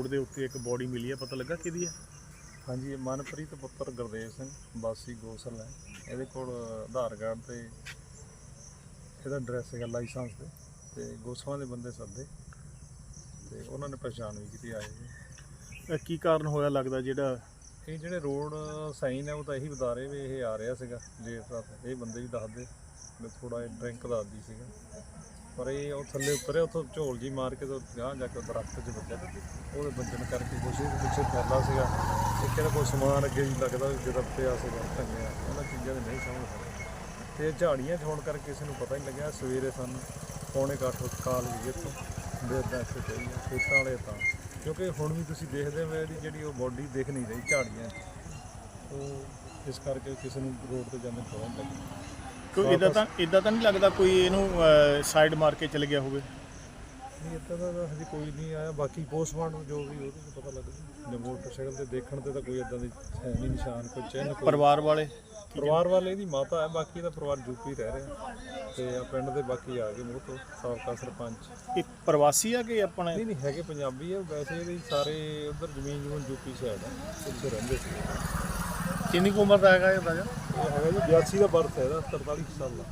Road ਦੇ ਉੱਤੇ ਇੱਕ ਬੋਡੀ ਮਿਲੀ ਹੈ, ਪਤਾ ਲੱਗਾ ਕਿਹਦੀ ਹੈ? ਹਾਂਜੀ, ਮਨਪ੍ਰੀਤ ਪੁੱਤਰ ਗੁਰਦੇਵ ਸਿੰਘ ਵਾਸੀ ਗੋਸਲ ਹੈ। ਇਹਦੇ ਕੋਲ ਆਧਾਰ ਕਾਰਡ ਤੇ ਇਹਦਾ ਐਡਰੈਸ ਹੈਗਾ ਲਾਇਸੈਂਸ ਤੇ ਗੋਸਲਾਂ ਦੇ ਬੰਦੇ ਸੱਦੇ ਤੇ ਉਹਨਾਂ ਨੇ ਪਛਾਣ ਵੀ ਕੀਤੀ ਆਏ ਜੀ। ਕੀ ਕਾਰਨ ਹੋਇਆ ਲੱਗਦਾ ਜਿਹੜਾ ਇਹ ਜਿਹੜੇ ਰੋਡ ਸਾਈਨ ਹੈ ਉਹ ਤਾਂ ਇਹੀ ਬਤਾ ਰਹੇ ਵੀ ਇਹ ਆ ਰਿਹਾ ਸੀਗਾ ਲੇਟ ਰਾਤ। ਇਹ ਬੰਦੇ ਵੀ ਦੱਸਦੇ ਵੀ ਥੋੜ੍ਹਾ ਜਿਹਾ ਡਰਿੰਕ ਦੱਸਦੀ ਸੀਗਾ, ਪਰ ਇਹ ਉਹ ਥੱਲੇ ਉਤਰਿਆ ਉੱਥੋਂ ਝੋਲ ਜੀ ਮਾਰ ਕੇ ਤਾਂ ਗਾਂਹ ਜਾ ਕੇ ਦਰਖਤ 'ਚ ਵੱਜਿਆ। ਉਹਦੇ ਵੱਜਣ ਕਰਕੇ ਕੁਛ ਇਹਦੇ ਪਿੱਛੇ ਫੈਲਾ ਸੀਗਾ। ਇੱਕ ਇਹਦਾ ਕੋਈ ਸਮਾਨ ਅੱਗੇ ਵੀ ਲੱਗਦਾ ਵੀ ਜਿਹਦਾ ਪਿਆ ਸੀਗਾ ਢੰਗਿਆ, ਉਹਨਾਂ ਚੀਜ਼ਾਂ ਦੇ ਨਹੀਂ ਸਮਝ ਸਕਦੇ। ਅਤੇ ਝਾੜੀਆਂ 'ਚ ਹੋਣ ਕਰਕੇ ਕਿਸੇ ਨੂੰ ਪਤਾ ਨਹੀਂ ਲੱਗਿਆ। ਸਵੇਰੇ ਸਾਨੂੰ 7:45 ਕਾਲ ਵੀ ਇੱਥੋਂ ਵੀ ਇੱਦਾਂ ਇੱਥੇ ਪਈ ਆ ਖੇਤਾਂ ਵਾਲੇ ਤਾਂ, ਕਿਉਂਕਿ ਹੁਣ ਵੀ ਤੁਸੀਂ ਦੇਖਦੇ ਹੋ ਇਹਦੀ ਜਿਹੜੀ ਉਹ ਬੋਡੀ ਦਿਖ ਨਹੀਂ ਰਹੀ ਝਾੜੀਆਂ 'ਚ, ਉਹ ਇਸ ਕਰਕੇ ਕਿਸੇ ਨੂੰ ਰੋਡ 'ਤੇ ਜਾਂਦੇ ਪਤਾ ਨਹੀਂ ਲੱਗਿਆ। ਕੋਈ ਇੱਦਾਂ ਤਾਂ ਨਹੀਂ ਲੱਗਦਾ ਕੋਈ ਇਹਨੂੰ ਸਾਈਡ ਮਾਰ ਕੇ ਚਲੇ ਗਿਆ ਹੋਵੇ? ਨਹੀਂ, ਇੱਦਾਂ ਦਾ ਹਜੇ ਕੋਈ ਨਹੀਂ ਆਇਆ। ਬਾਕੀ ਪੋਸਟਮਾਰਟਮ ਜੋ ਵੀ ਉਹਦੇ 'ਚ ਪਤਾ ਲੱਗਦਾ। ਮੋਟਰਸਾਈਕਲ 'ਤੇ ਦੇਖਣ 'ਤੇ ਤਾਂ ਕੋਈ ਇੱਦਾਂ ਦੀ ਹੈ ਨਹੀਂ ਨਿਸ਼ਾਨ, ਕੋਈ ਚਿੰਨ੍ਹ। ਪਰਿਵਾਰ ਵਾਲੇ ਇਹਦੀ ਮਾਤਾ ਹੈ, ਬਾਕੀ ਦਾ ਪਰਿਵਾਰ ਯੂਪੀ ਰਹਿ ਰਿਹਾ ਤੇ ਆ ਪਿੰਡ ਦੇ ਬਾਕੀ ਆ ਗਏ ਮੂੰਹ ਤੋਂ ਸਾਬਕਾ ਸਰਪੰਚ। ਇਹ ਪ੍ਰਵਾਸੀ ਆ ਕਿ ਆਪਣੇ? ਨਹੀਂ ਹੈਗੇ ਪੰਜਾਬੀ ਆ ਵੈਸੇ। ਇਹਦੇ ਸਾਰੇ ਉਧਰ ਜ਼ਮੀਨ ਯੂਪੀ ਸਾਈਡ ਆ, ਉੱਥੇ ਰਹਿੰਦੇ ਸੀ। ਕਿੰਨੀ ਕੁ ਉਮਰ ਦਾ ਹੈਗਾ ਇਹ ਅੰਦਾਜ਼ਾ? ਇਹ ਹੈਗਾ ਜੀ 82 ਦਾ ਬਰਥ ਹੈ ਇਹਦਾ, 43 ਸਾਲ ਦਾ।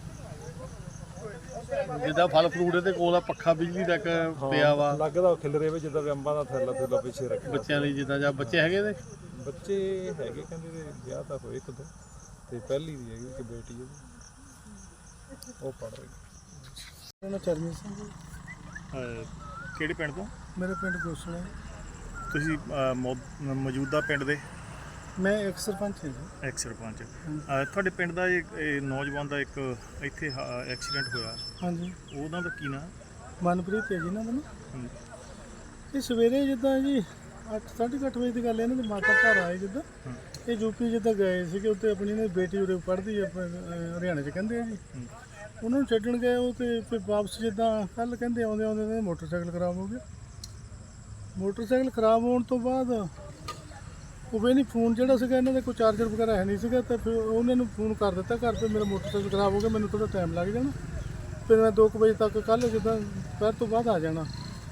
ਜਿੱਦਾਂ ਫਲ ਫਰੂਟ ਦੇ ਕੋਲ ਆ, ਪੱਖਾ ਬਿਜਲੀ ਤੱਕ ਪਿਆ ਵਾ, ਲੱਗਦਾ ਖਿਲਰੇ ਵਿੱਚ ਜਿੱਦਾਂ ਵੀ ਅੰਬਾਂ ਦਾ ਥੈਲਾ ਥੈਲਾ ਪਿੱਛੇ ਰੱਖਿਆ ਬੱਚਿਆਂ ਲਈ। ਜਿੱਦਾਂ ਜਾਂ ਬੱਚੇ ਹੈਗੇ ਇਹਦੇ? ਬੱਚੇ ਹੈਗੇ, ਕਹਿੰਦੇ ਤੇ ਵਿਆਹ ਤਾਂ ਹੋਏ ਇੱਕ ਦੋ, ਤੇ ਪਹਿਲੀ ਦੀ ਹੈਗੀ ਕਿ ਬੇਟੀ ਉਹਦੀ, ਉਹ ਪੜ੍ਹ ਰਹੀ। ਮੇਰਾ ਚਰਨਜੀਤ ਸਿੰਘ ਜੀ। ਕਿਹੜੇ ਪਿੰਡ ਤੋਂ? ਮੇਰੇ ਪਿੰਡ ਗੋਸਲਾ। ਤੁਸੀਂ ਮੌਜੂਦਾ ਪਿੰਡ ਦੇ? ਮੈਂ ਇੱਕ ਸਰਪੰਚ ਹਾਂ ਜੀ। ਐਕਸ ਸਰਪੰਚ। ਤੁਹਾਡੇ ਪਿੰਡ ਦਾ ਇਹ ਨੌਜਵਾਨ ਦਾ ਇੱਕ ਇੱਥੇ ਐਕਸੀਡੈਂਟ ਹੋਇਆ, ਹਾਂਜੀ। ਉਹਨਾਂ ਦਾ ਕੀ ਨਾਮ? ਮਨਪ੍ਰੀਤ ਹੈ ਜੀ ਇਹਨਾਂ ਦਾ ਨਾ। ਇਹ ਸਵੇਰੇ ਜਿੱਦਾਂ ਜੀ 8:30 ਵਜੇ ਦੀ ਗੱਲ ਹੈ। ਇਹਨਾਂ ਦੇ ਮਾਤਾ ਘਰ ਆਏ ਜਿੱਦਾਂ, ਇਹ ਯੂਪੀ ਜਿੱਦਾਂ ਗਏ ਸੀਗੇ ਉੱਥੇ। ਆਪਣੀ ਇਹਨਾਂ ਦੀ ਬੇਟੀ ਉਰੇ ਪੜ੍ਹਦੀ ਹੈ ਹਰਿਆਣੇ 'ਚ ਕਹਿੰਦੇ ਆ ਜੀ। ਉਹਨਾਂ ਨੂੰ ਛੱਡਣ ਗਏ ਉਹ, ਤੇ ਫਿਰ ਵਾਪਸ ਜਿੱਦਾਂ ਕੱਲ੍ਹ ਕਹਿੰਦੇ ਆਉਂਦੇ ਮੋਟਰਸਾਈਕਲ ਖਰਾਬ ਹੋ ਗਿਆ। ਮੋਟਰਸਾਈਕਲ ਖਰਾਬ ਹੋਣ ਤੋਂ ਬਾਅਦ ਉਹ ਵੀ ਨਹੀਂ, ਫੋਨ ਜਿਹੜਾ ਸੀਗਾ ਇਹਨਾਂ ਦੇ ਕੋਈ ਚਾਰਜਰ ਵਗੈਰਾ ਹੈ ਨਹੀਂ ਸੀਗਾ, ਤਾਂ ਫਿਰ ਉਹਨਾਂ ਨੂੰ ਫੋਨ ਕਰ ਦਿੱਤਾ ਘਰ 'ਤੇ, ਮੇਰਾ ਮੋਟਰਸਾਈਕਲ ਖਰਾਬ ਹੋ ਗਿਆ, ਮੈਨੂੰ ਥੋੜ੍ਹਾ ਟਾਈਮ ਲੱਗ ਜਾਣਾ, ਫਿਰ ਮੈਂ 2 ਵਜੇ ਤੱਕ ਕੱਲ੍ਹ ਜਿੱਦਾਂ ਦੁਪਹਿਰ ਤੋਂ ਬਾਅਦ ਆ ਜਾਣਾ।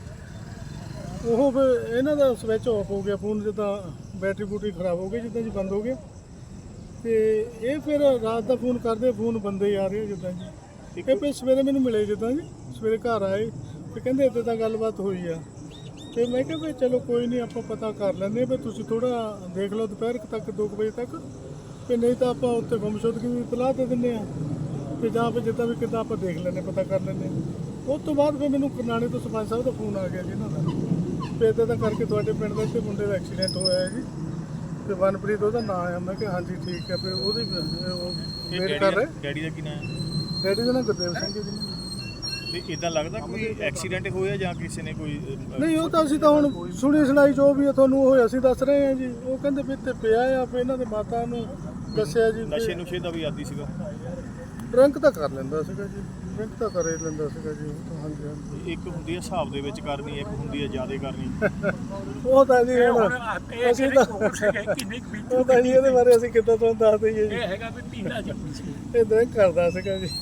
ਉਹ ਫਿਰ ਇਹਨਾਂ ਦਾ ਸਵਿਚ ਆਫ ਹੋ ਗਿਆ ਫੋਨ, ਜਿੱਦਾਂ ਬੈਟਰੀ ਬੂਟਰੀ ਖਰਾਬ ਹੋ ਗਈ ਜਿੱਦਾਂ ਜੀ, ਬੰਦ ਹੋ ਗਿਆ। ਅਤੇ ਇਹ ਫਿਰ ਰਾਤ ਦਾ ਫੋਨ ਕਰਦੇ, ਫੋਨ ਬੰਦੇ ਆ ਰਹੇ ਜਿੱਦਾਂ ਜੀ। ਇਹ ਫਿਰ ਸਵੇਰੇ ਮੈਨੂੰ ਮਿਲੇ ਜਿੱਦਾਂ ਜੀ, ਸਵੇਰੇ ਘਰ ਆਏ ਅਤੇ ਕਹਿੰਦੇ ਇੱਦਾਂ ਤਾਂ ਗੱਲਬਾਤ ਹੋਈ ਆ। ਅਤੇ ਮੈਂ ਕਿਹਾ ਵੀ ਚਲੋ ਕੋਈ ਨਹੀਂ, ਆਪਾਂ ਪਤਾ ਕਰ ਲੈਂਦੇ ਵੀ ਤੁਸੀਂ ਥੋੜ੍ਹਾ ਦੇਖ ਲਓ ਦੁਪਹਿਰ ਤੱਕ 2 ਵਜੇ ਤੱਕ, ਅਤੇ ਨਹੀਂ ਤਾਂ ਆਪਾਂ ਉੱਥੇ ਗੁੰਮਸ਼ੁਦਗੀ ਵੀ ਇਤਲਾਹ ਦੇ ਦਿੰਦੇ ਹਾਂ, ਅਤੇ ਜਾਂ ਫਿਰ ਜਿੱਦਾਂ ਵੀ ਕਿੱਦਾਂ ਆਪਾਂ ਦੇਖ ਲੈਂਦੇ, ਪਤਾ ਕਰ ਲੈਂਦੇ। ਉਸ ਤੋਂ ਬਾਅਦ ਫਿਰ ਮੈਨੂੰ ਕਰਨਾਣੇ ਤੋਂ ਸਰਪੰਚ ਸਾਹਿਬ ਦਾ ਫੋਨ ਆ ਗਿਆ ਜੀ ਇਹਨਾਂ ਦਾ, ਵੀ ਇੱਦਾਂ ਦਾ ਕਰਕੇ ਤੁਹਾਡੇ ਪਿੰਡ ਦੇ ਇੱਥੇ ਮੁੰਡੇ ਦਾ ਐਕਸੀਡੈਂਟ ਹੋਇਆ ਹੈ ਜੀ, ਅਤੇ ਮਨਪ੍ਰੀਤ ਉਹਦਾ ਨਾਂ ਆ। ਮੈਂ ਕਿਹਾ ਹਾਂਜੀ ਠੀਕ ਹੈ। ਫਿਰ ਉਹਦੀ ਵੇਟ ਕਰ ਰਹੇ। ਡੈਡੀ ਦਾ ਕੀ ਨਾਮ ਹੈ? ਡੈਡੀ ਦਾ ਨਾਮ ਗੁਰਦੇਵ ਸਿੰਘ ਜੀ। ਤੇ ਇਦਾਂ ਲੱਗਦਾ ਕੋਈ ਐਕਸੀਡੈਂਟ ਹੋਇਆ ਜਾਂ ਕਿਸੇ ਨੇ ਕੋਈ? ਨਹੀਂ, ਉਹ ਤਾਂ ਅਸੀਂ ਤਾਂ ਹੁਣ ਸੁਣੀ ਸੁਣਾਈ ਜੋ ਵੀ ਤੁਹਾਨੂੰ ਉਹ ਅਸੀਂ ਦੱਸ ਰਹੇ ਹਾਂ ਜੀ। ਉਹ ਕਹਿੰਦੇ ਵੀ ਇੱਥੇ ਪਿਆ ਆ, ਫਿਰ ਇਹਨਾਂ ਦੇ ਮਾਤਾ ਨੂੰ ਦੱਸਿਆ ਜੀ। ਨਸ਼ੇ ਨੁਸ਼ੇ ਦਾ ਵੀ ਆਦੀ ਸੀਗਾ? ਡਰਿੰਕ ਤਾਂ ਕਰ ਲੈਂਦਾ ਸੀਗਾ ਜੀ, ਡਰਿੰਕ ਤਾਂ ਕਰ ਹੀ ਲੈਂਦਾ ਸੀਗਾ ਜੀ। ਉਹ ਤਾਂ ਹਾਂਜੀ ਹਾਂਜੀ। ਇੱਕ ਹੁੰਦੀ ਹੈ ਹਿਸਾਬ ਦੇ ਵਿੱਚ ਕਰਨੀ, ਇੱਕ ਹੁੰਦੀ ਹੈ ਜ਼ਿਆਦਾ ਕਰਨੀ। ਉਹ ਤਾਂ ਜੀ ਅਸੀਂ ਤਾਂ ਉਹ ਤਾਂ ਜੀ ਇਹਦੇ ਬਾਰੇ ਅਸੀਂ ਕਿੱਦਾਂ ਤੁਹਾਨੂੰ ਦੱਸ ਦਈਏ ਜੀ। ਇਹ ਹੈਗਾ ਵੀ ਪੀਂਦਾ ਜੰਮੀ ਸੀ। ਇਹ ਡਰਿੰਕ ਕਰਦਾ ਸੀਗਾ ਜੀ।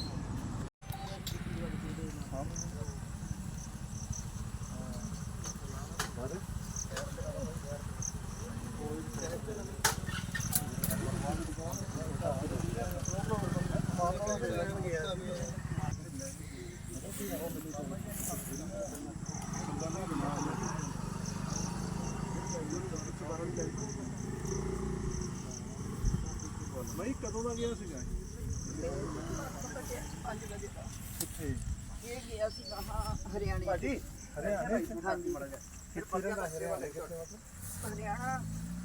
ਮੈਂ ਕਦੋਂ ਦਾ ਗਿਆ ਸੀਗਾ? ਇਹ ਗਿਆ ਸੀ ਹਰਿਆਣੇ। ਹਰਿਆਣੇ? ਹਾਂਜੀ, ਹਰਿਆਣਾ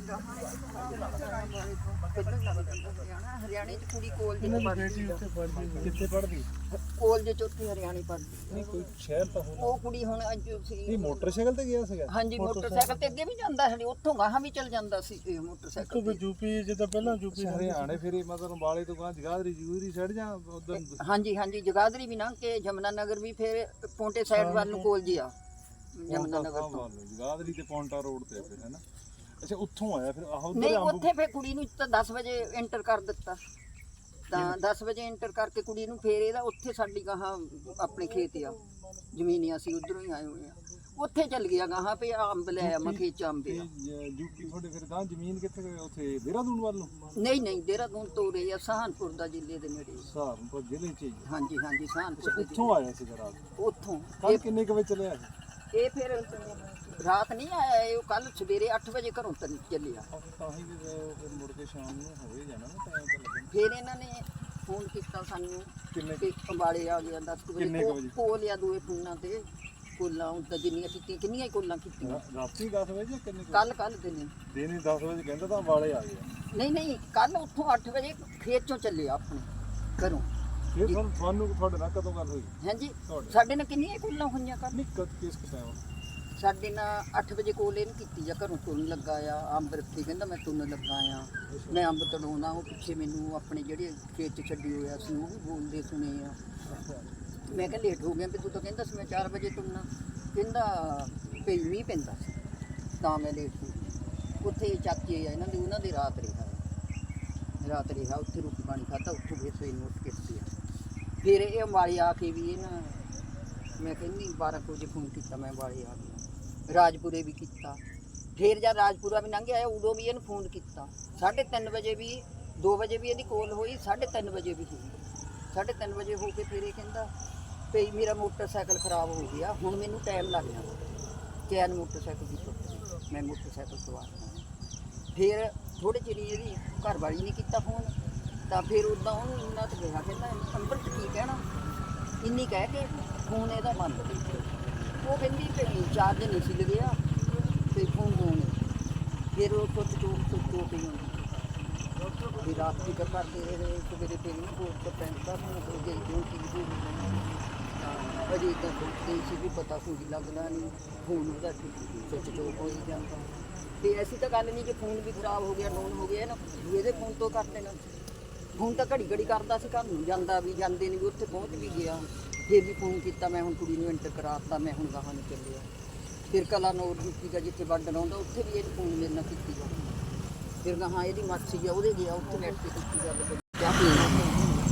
ਹਰਿਆਣੇ ਚ ਕੁੜੀ ਕਾਲਜ ਚ ਪੜ੍ਹਦੀ। ਕਿੱਥੇ ਪੜ੍ਹਦੀ? ਕਾਲਜ ਚ ਉੱਥੇ ਹਰਿਆਣੇ ਪੜ੍ਹਦੀ। ਨਹੀਂ ਕੋਈ ਸ਼ਹਿਰ ਤਾਂ ਹੋਣਾ। ਉਹ ਕੁੜੀ ਹੁਣ ਅੱਜ ਸੀ। ਨਹੀਂ, ਮੋਟਰਸਾਈਕਲ ਤੇ ਗਿਆ ਸੀਗਾ? ਹਾਂਜੀ, ਮੋਟਰਸਾਈਕਲ ਤੇ ਅੱਗੇ ਵੀ ਜਾਂਦਾ ਸੀ, ਉੱਥੋਂ ਗਾਹਾਂ ਵੀ ਚਲ ਜਾਂਦਾ ਸੀ ਮੋਟਰਸਾਈਕਲ ਤੇ। ਯੂਪੀ ਜਿੱਦਾਂ ਪਹਿਲਾਂ ਯੂਪੀ ਹਰਿਆਣੇ ਫਿਰ ਮਤਲਬ ਅੰਬਾਲੇ ਤੋਂ ਗਾਂ ਜਗਾਦਰੀ ਸਾਈਡ ਜਾਂ ਉਧਰ? ਹਾਂਜੀ ਹਾਂਜੀ, ਜਗਾਦਰੀ ਵੀ ਲੰਘ ਕੇ ਜਮਨਾ ਨਗਰ ਵੀ, ਫਿਰ ਪੌਂਟੇ ਸਾਈਡ ਵੱਲ ਨੂੰ ਕਾਲਜ ਆ ਜਮਨਾ ਨਗਰ ਤੋਂ। ਜਗਾਦਰੀ ਤੇ ਪੌਂਟਾ ਰੋਡ ਤੇ ਫਿਰ, ਹੈ ਨਾ? ਅੱਛਾ, ਉੱਥੋਂ ਆਇਆ ਫਿਰ? ਆਹ ਨਹੀਂ, ਉੱਥੇ ਫਿਰ ਕੁੜੀ ਨੂੰ ਤਾਂ 10 ਵਜੇ ਐਂਟਰ ਕਰ ਦਿੱਤਾ, ਤਾਂ 10 ਵਜੇ ਐਂਟਰ ਕਰਕੇ ਕੁੜੀ ਨੂੰ, ਫਿਰ ਇਹਦਾ ਉੱਥੇ ਸਾਡੀ ਗਾਹਾਂ ਆਪਣੇ ਖੇਤ ਆ ਜ਼ਮੀਨ, ਅਸੀਂ ਉਧਰੋਂ ਹੀ ਆਏ ਹੋਏ ਆ। ਉੱਥੇ ਚੱਲ ਗਿਆ ਗਾਹਾਂ ਪੇ ਅੰਬ ਲੈ ਆ ਮੈਂ ਖੇਚ ਅੰਬ ਆ। ਯੂਪੀ ਤੁਹਾਡੇ ਫਿਰ ਗਾਂ ਜ਼ਮੀਨ ਕਿੱਥੇ ਉੱਥੇ ਦੇਹਰਾਦੂਨ ਵੱਲ ਨੂੰ? ਨਹੀਂ ਨਹੀਂ ਦੇਹਰਾਦੂਨ ਤੋਂ ਰਹੇ ਆ ਸਹਾਰਨਪੁਰ ਦਾ ਜ਼ਿਲ੍ਹੇ ਦੇ ਨੇੜੇ। ਸਹਾਰਨਪੁਰ ਜ਼ਿਲ੍ਹੇ 'ਚ ਹੀ। ਹਾਂਜੀ ਹਾਂਜੀ ਸਹਾਰਨਪੁਰ ਦੇ ਉੱਥੋਂ ਆਇਆ ਸੀ ਰਾਤ? ਉੱਥੋਂ ਕੱਲ ਕਿੰਨੇ ਕੁ ਵਜੇ ਚੱਲਿਆ ਸੀ? ਇਹ ਫਿਰ ਰਾਤ ਨਹੀਂ ਆਇਆ, ਇਹ ਕੱਲ ਸਵੇਰੇ 8 ਵਜੇ ਘਰੋਂ ਚੱਲਿਆ। ਤਾਂ ਹੀ ਫਿਰ ਮੁੜ ਕੇ ਸ਼ਾਮ ਨੂੰ ਹੋਏ ਜਾਣਾ ਨਾ, ਟਾਈਮ ਤਾਂ ਲੱਗਣਾ। ਫਿਰ ਇਹਨਾਂ ਨੇ ਫੋਨ ਕੀਤਾ ਸਾਨੂੰ ਕਿੰਨੇ ਕਿ ਅੰਬਾਲੇ ਆ ਗਿਆ 10 ਕਿੰਨੇ ਕੁ ਵਜੇ ਵਜੇ? ਕੋਲ ਆ ਦੋਏ ਫੋਨਾਂ ਤੇ ਕੋਲਾਂ ਤਾਂ ਜਿੰਨੀਆਂ ਕੀਤੀਆਂ ਕਿੰਨੀਆਂ ਹੀ ਕੋਲਾਂ ਕੀਤੀਆਂ ਰਾਤੀ 10 ਵਜੇ ਜਾਂ ਕਿੰਨੇ ਕੁ? ਕੱਲ ਦਿਨੇ ਦਿਨੇ 10 ਵਜੇ ਕਹਿੰਦਾ ਤਾਂ ਵਾਲੇ ਆ ਗਏ। ਨਹੀਂ ਕੱਲ ਉੱਥੋਂ 8 ਵਜੇ ਖੇਤ ਚੋਂ ਚੱਲਿਆ ਆਪਣੇ ਘਰੋਂ। ਫਿਰ ਤੁਹਾਨੂੰ ਤੁਹਾਡੇ ਨਾਲ ਕਦੋਂ ਗੱਲ ਹੋਈ? ਹਾਂਜੀ ਤੁਹਾਡੇ ਸਾਡੇ ਨਾਲ ਕਿੰਨੀਆਂ ਕੋਲਾਂ ਹੋਈਆਂ ਕੱਲ। ਨਹੀਂ ਕਿਸ ਟਾਈਮ? ਸਾਡੇ ਨਾਲ 8 ਵਜੇ ਕੋਲ ਇਹਨੂੰ ਕੀਤੀ ਜਾਂ ਘਰੋਂ ਤੁਰਨ ਲੱਗਾ ਆ ਅੰਬ ਰੱਖੀ ਕਹਿੰਦਾ ਮੈਂ ਤੁਰਨ ਲੱਗਾ ਆ ਮੈਂ ਅੰਬ ਤੜਾਉਣਾ। ਉਹ ਪਿੱਛੇ ਮੈਨੂੰ ਆਪਣੇ ਜਿਹੜੇ ਖੇਤ 'ਚ ਛੱਡੀ ਹੋਇਆ ਸੀ ਉਹ ਵੀ ਬੋਲਦੇ ਸੁਣੇ ਆ। ਮੈਂ ਕਿਹਾ ਲੇਟ ਹੋ ਗਿਆ ਵੀ ਤੂੰ ਤਾਂ ਕਹਿੰਦਾ ਸੀ ਮੈਂ 4 ਵਜੇ ਤੁਰਨਾ। ਕਹਿੰਦਾ ਪਈ ਮੀਂਹ ਪੈਂਦਾ ਸੀ ਤਾਂ ਮੈਂ ਲੇਟ ਹੋ ਗਿਆ। ਉੱਥੇ ਚਾਚੇ ਆ ਇਹਨਾਂ ਦੇ ਉਹਨਾਂ ਦੇ ਰਾਤ ਰਿਹਾ ਉੱਥੇ ਰੋਟੀ ਪਾਣੀ ਖਾਧਾ। ਉੱਥੋਂ ਫਿਰ ਸਵੇਰ ਨੂੰ ਉੱਠ ਕੇ ਪਿਆ। ਫਿਰ ਇਹ ਅੰਬਾਲੇ ਆ ਕੇ ਵੀ ਇਹਨਾਂ ਮੈਂ ਕਹਿੰਦੀ 12 ਵਜੇ ਫੋਨ ਕੀਤਾ ਮੈਂ ਅੰਬਾਲੇ ਆ ਗਿਆ। ਰਾਜਪੁਰੇ ਵੀ ਕੀਤਾ। ਫਿਰ ਜਦ ਰਾਜਪੁਰਾ ਵੀ ਲੰਘ ਆਇਆ ਉਦੋਂ ਵੀ ਇਹਨੂੰ ਫੋਨ ਕੀਤਾ। 3:30 ਵਜੇ ਵੀ 2 ਵਜੇ ਵੀ ਇਹਦੀ ਕੋਲ ਹੋਈ 3:30 ਵਜੇ ਵੀ ਹੋਈ। 3:30 ਵਜੇ ਹੋ ਕੇ ਫਿਰ ਇਹ ਕਹਿੰਦਾ ਭਈ ਮੇਰਾ ਮੋਟਰਸਾਈਕਲ ਖਰਾਬ ਹੋ ਗਿਆ ਹੁਣ ਮੈਨੂੰ ਟਾਈਮ ਲੱਗ ਜਾਣਾ। ਚੈਨ ਮੋਟਰਸਾਈਕਲ ਦੀ ਟੁੱਟ ਮੈਂ ਮੋਟਰਸਾਈਕਲ ਸਵਾਰ ਫਿਰ ਥੋੜੇ ਚਿਰ ਇਹਦੀ ਘਰ ਵਾਲੀ ਨੇ ਕੀਤਾ ਫੋਨ ਤਾਂ ਫਿਰ ਉੱਦਾਂ ਉਹਨੂੰ ਇੰਨਾ ਤਾਂ ਕਿਹਾ ਕਹਿੰਦਾ ਨੰਬਰ 'ਚ ਕੀ ਕਹਿਣਾ ਇੰਨੀ ਕਹਿ ਕੇ ਫੋਨ ਇਹਦਾ ਬੰਦ ਦੇ ਦਿੱਤਾ। ਉਹ ਕਹਿੰਦੀ ਭਈ ਚਾਰਜ ਨਹੀਂ ਸੀ ਲੱਗਿਆ ਤੇ ਫੋਨ ਹੋਣ ਫਿਰ ਉਹ ਚੋਟ ਹੀ ਹੁੰਦੀ ਫਿਰ ਰਾਤ ਦੀ ਕਰਦੇ ਰਹੇ ਸਵੇਰੇ ਫਿਰ ਨਾ ਕੋਟ ਤੋਂ ਪੈਂਟ ਦਾ ਹੋ ਗਈ ਕਿਉਂਕਿ ਅਜੇ ਤਾਂ ਸੋਚਦੇ ਸੀ ਵੀ ਪਤਾ ਕੋਈ ਲੱਗਦਾ ਨਹੀਂ ਫੋਨ ਉਹਦਾ ਸੁੱਚ ਚੋਕ ਹੋ ਹੀ ਜਾਂਦਾ। ਤੇ ਐਸੀ ਤਾਂ ਗੱਲ ਨਹੀਂ ਕਿ ਫੋਨ ਵੀ ਖਰਾਬ ਹੋ ਗਿਆ ਡਾਊਨ ਹੋ ਗਿਆ ਨਾ ਇਹਦੇ ਫੋਨ ਤੋਂ ਕਰ ਦੇਣਾ। ਫੋਨ ਤਾਂ ਘੜੀ ਕਰਦਾ ਸੀ ਘਰ ਨੂੰ ਜਾਂਦਾ ਵੀ ਜਾਂਦੇ ਨਹੀਂ ਵੀ ਉੱਥੇ ਪਹੁੰਚ ਵੀ ਗਿਆ। ਫਿਰ ਵੀ ਫੋਨ ਕੀਤਾ ਮੈਂ ਹੁਣ ਕੁੜੀ ਨੂੰ ਐਂਟਰ ਕਰਾਤਾ ਮੈਂ ਹੁਣ ਗਾਹਾਂ ਨੂੰ ਚੱਲਿਆ। ਫਿਰ ਕਲਾ ਨੋਰ ਦਿੱਤੀ ਦਾ ਜਿੱਥੇ ਵੰਡਣ ਆਉਂਦਾ ਉੱਥੇ ਵੀ ਇਹ ਫੋਨ ਮੇਰੇ ਨਾਲ ਕੀਤੀ ਗੱਲ। ਫਿਰ ਗਾਹਾਂ ਇਹਦੀ ਮਾਸੀ ਆ ਉਹਦੇ ਗਿਆ ਉੱਥੇ ਬੈਠ ਕੇ ਕੀਤੀ ਗੱਲ ਕਿਆ ਪੀਣਾ।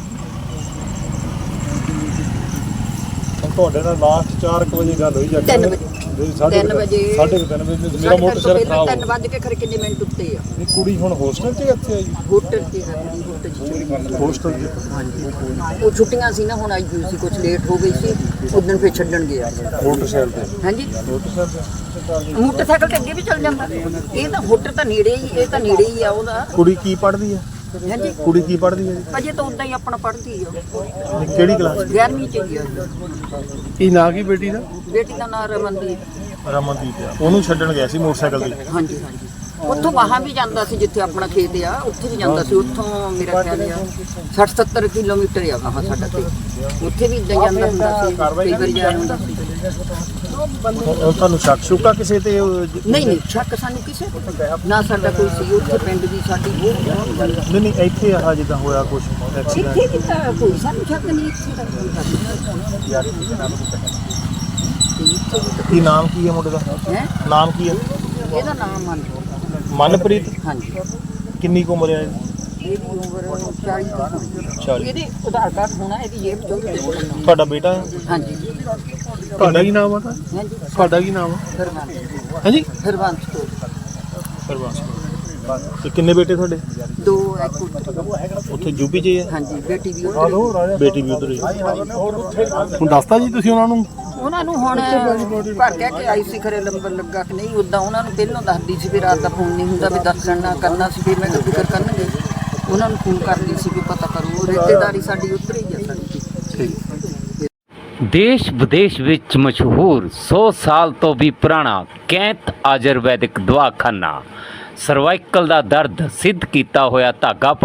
ਤੁਹਾਡੇ ਨਾਲ ਲਾਸਟ 4 ਵਜੇ ਗੱਲ ਹੋਈ ਜਾਂ 3 ਵਜੇ 3 ਵਜੇ 3:30 ਵਜੇ ਮੇਰਾ ਮੋਟਰਸਾਈਕਲ ਖਰਾਬ ਹੋ 3 ਵਜੇ ਕੇ ਖਰੇ ਕਿੰਨੇ ਮਿੰਟ ਉੱਤੇ ਆ। ਗਿਆ। ਕੁੜੀ ਹੁਣ ਹੋਸਟਲ 'ਚ ਇੱਥੇ ਆ ਜੀ? ਹੋਟਲ ਤੇ ਹੋਟਲ ਹੋਸਟਲ 'ਚ ਹਾਂਜੀ ਉਹ ਛੁੱਟੀਆਂ ਸੀ ਨਾ ਹੁਣ ਆਈ ਹੋਈ ਸੀ ਕੁਝ ਲੇਟ ਹੋ ਗਈ ਸੀ ਉਦੋਂ ਫਿਰ ਛੱਡਣ ਗਿਆ। ਮੋਟਰਸਾਈਕਲ ਤੇ? ਹਾਂਜੀ ਮੋਟਰਸਾਈਕਲ ਮੋਟਰਸਾਈਕਲ ਤੇ ਅੱਗੇ ਵੀ ਚੱਲ ਜਾਂਦਾ। ਇਹ ਤਾਂ ਹੋਟਲ ਤਾਂ ਨੇੜੇ ਹੀ ਇਹ ਤਾਂ ਨੇੜੇ ਹੀ ਆ ਉਹਦਾ। ਕੁੜੀ ਕੀ ਪੜ੍ਹਦੀ ਹੈ? ਹਾਂਜੀ ਕੁੜੀ ਕੀ ਪੜ੍ਹਦੀ ਹੈ ਜੀ? ਅਜੇ ਤਾਂ ਉਦਾਂ ਹੀ ਆਪਣਾ ਪੜ੍ਹਦੀ ਆ। ਕਿਹੜੀ ਕਲਾਸ? 11ਵੀਂ ਚ ਹੀ ਆ। ਕੀ ਨਾਂ ਕੀ ਬੇਟੀ ਦਾ? ਬੇਟੀ ਦਾ ਨਾਮ ਰਮਨਦੀਪ। ਰਮਨਦੀਪ। ਉਹਨੂੰ ਛੱਡਣ ਗਿਆ ਸੀ ਮੋਟਰਸਾਈਕਲ ਤੇ? ਹਾਂਜੀ ਉੱਥੋਂ ਵਾਹਾਂ ਵੀ ਜਾਂਦਾ ਸੀ ਜਿੱਥੇ ਆਪਣਾ ਖੇਤ ਆ ਉੱਥੇ ਵੀ ਜਾਂਦਾ ਸੀ। ਉੱਥੋਂ ਮੇਰਾ ਖਿਆਲ ਆ 60-70 ਕਿਲੋਮੀਟਰ ਆ ਵਾਹਾਂ ਸਾਡਾ ਤੇ ਉੱਥੇ ਵੀ ਇੱਦਾਂ ਜਾਂਦਾ ਹੁੰਦਾ ਸੀ ਕਈ ਵਾਰੀ ਜਾ ਹੁੰਦਾ ਸੀ। ਤੁਹਾਨੂੰ ਸ਼ੱਕ ਸ਼ੁਕਾ ਕਿਸੇ ਤੇ? ਨਹੀਂ ਸ਼ੱਕ ਸਾਨੂੰ ਕਿਸੇ ਨਾ ਸਾਡਾ ਕੋਈ ਸੀ ਉੱਥੇ ਪਿੰਡ ਦੀ ਸਾਡੀ ਬਹੁਤ ਨਹੀਂ ਇੱਥੇ ਆ ਜਿੱਦਾਂ ਹੋਇਆ ਕੁਝ ਐਕਸੀਡੈਂਟ? ਇੱਥੇ ਕਿਤਾ ਕੋਈ ਸਾਨੂੰ ਸ਼ੱਕ ਨਹੀਂ ਇੱਥੇ ਦਾ ਕੋਈ। ਕੀ ਨਾਮ ਕੀ ਹੈ ਮੁੰਡੇ ਦਾ? ਹੈ ਨਾਮ ਕੀ ਹੈ ਇਹਦਾ ਨਾਮ ਮਨਪ੍ਰੀਤ? ਹਾਂਜੀ ਕਿੰਨੀ ਕੁ ਉਮਰ ਹੈ ਇਹਦੀ? ਇਹਦੀ ਉਮਰ 40 40। ਇਹਦੇ ਆਧਾਰ ਕਾਰਡ ਹੋਣਾ ਇਹਦੀ ਜੇਬ ਚੋਂ ਤੁਹਾਡਾ ਬੇਟਾ ਹੈ? ਹਾਂਜੀ ਤੁਹਾਡਾ ਕੀ ਨਾਮ ਆ? ਹਾਂਜੀ ਤੁਹਾਡਾ ਕੀ ਨਾਮ ਆ? ਹਰਵੰਸ਼ ਹਾਂਜੀ ਹਰਵੰਸ਼ ਤੋਂ ਸਰਵਾਸ। ਤੇ ਕਿੰਨੇ ਬੇਟੇ ਤੁਹਾਡੇ? 2 ਇੱਕ ਉੱਥੇ ਯੂਪੀ 'ਚ ਹੀ ਹੈ? ਹਾਂਜੀ ਬੇਟੀ ਵੀ ਉੱਧਰ ਬੇਟੀ ਵੀ ਉਧਰ ਹੀ? ਹੁਣ ਦੱਸਤਾ ਜੀ ਤੁਸੀਂ ਉਹਨਾਂ ਨੂੰ ਹੁਣ ਭਰ ਕਹਿ ਕੇ ਆਈ ਸੀ ਖਰੇ ਨੰਬਰ ਲੱਗਾ ਕਿ ਨਹੀਂ ਉਦਾਂ ਉਹਨਾਂ ਨੂੰ ਪਹਿਲਾਂ ਦੱਸਦੀ ਸੀ ਵੀ ਰਾਤ ਦਾ ਫੋਨ ਨਹੀਂ ਹੁੰਦਾ ਵੀ ਦੱਸਣ ਨਾ ਕਰਨਾ ਸੀ। ਫਿਰ ਮੈਂ ਕਿਹਾ ਫਿਕਰ ਕਰਨਗੇ ਉਹਨਾਂ ਨੂੰ ਫੋਨ ਕਰਦੀ ਸੀ ਵੀ ਪਤਾ ਕਰੋ ਰਿਸ਼ਤੇਦਾਰੀ ਸਾਡੀ ਉੱਧਰ ਹੀ ਆ ਸਾਡੀ। ਦੇਸ਼ ਵਿਦੇਸ਼ ਵਿੱਚ ਮਸ਼ਹੂਰ 100 ਸਾਲ ਤੋਂ ਵੀ ਪੁਰਾਣਾ ਕੈਂਤ ਆਯੁਰਵੈਦਿਕ ਦਵਾਖਾਨਾ ਸਰਵਾਈਕਲ ਦਾ ਦਰਦ ਸਿੱਧ ਕੀਤਾ ਹੋਇਆ ਧਾਗਾ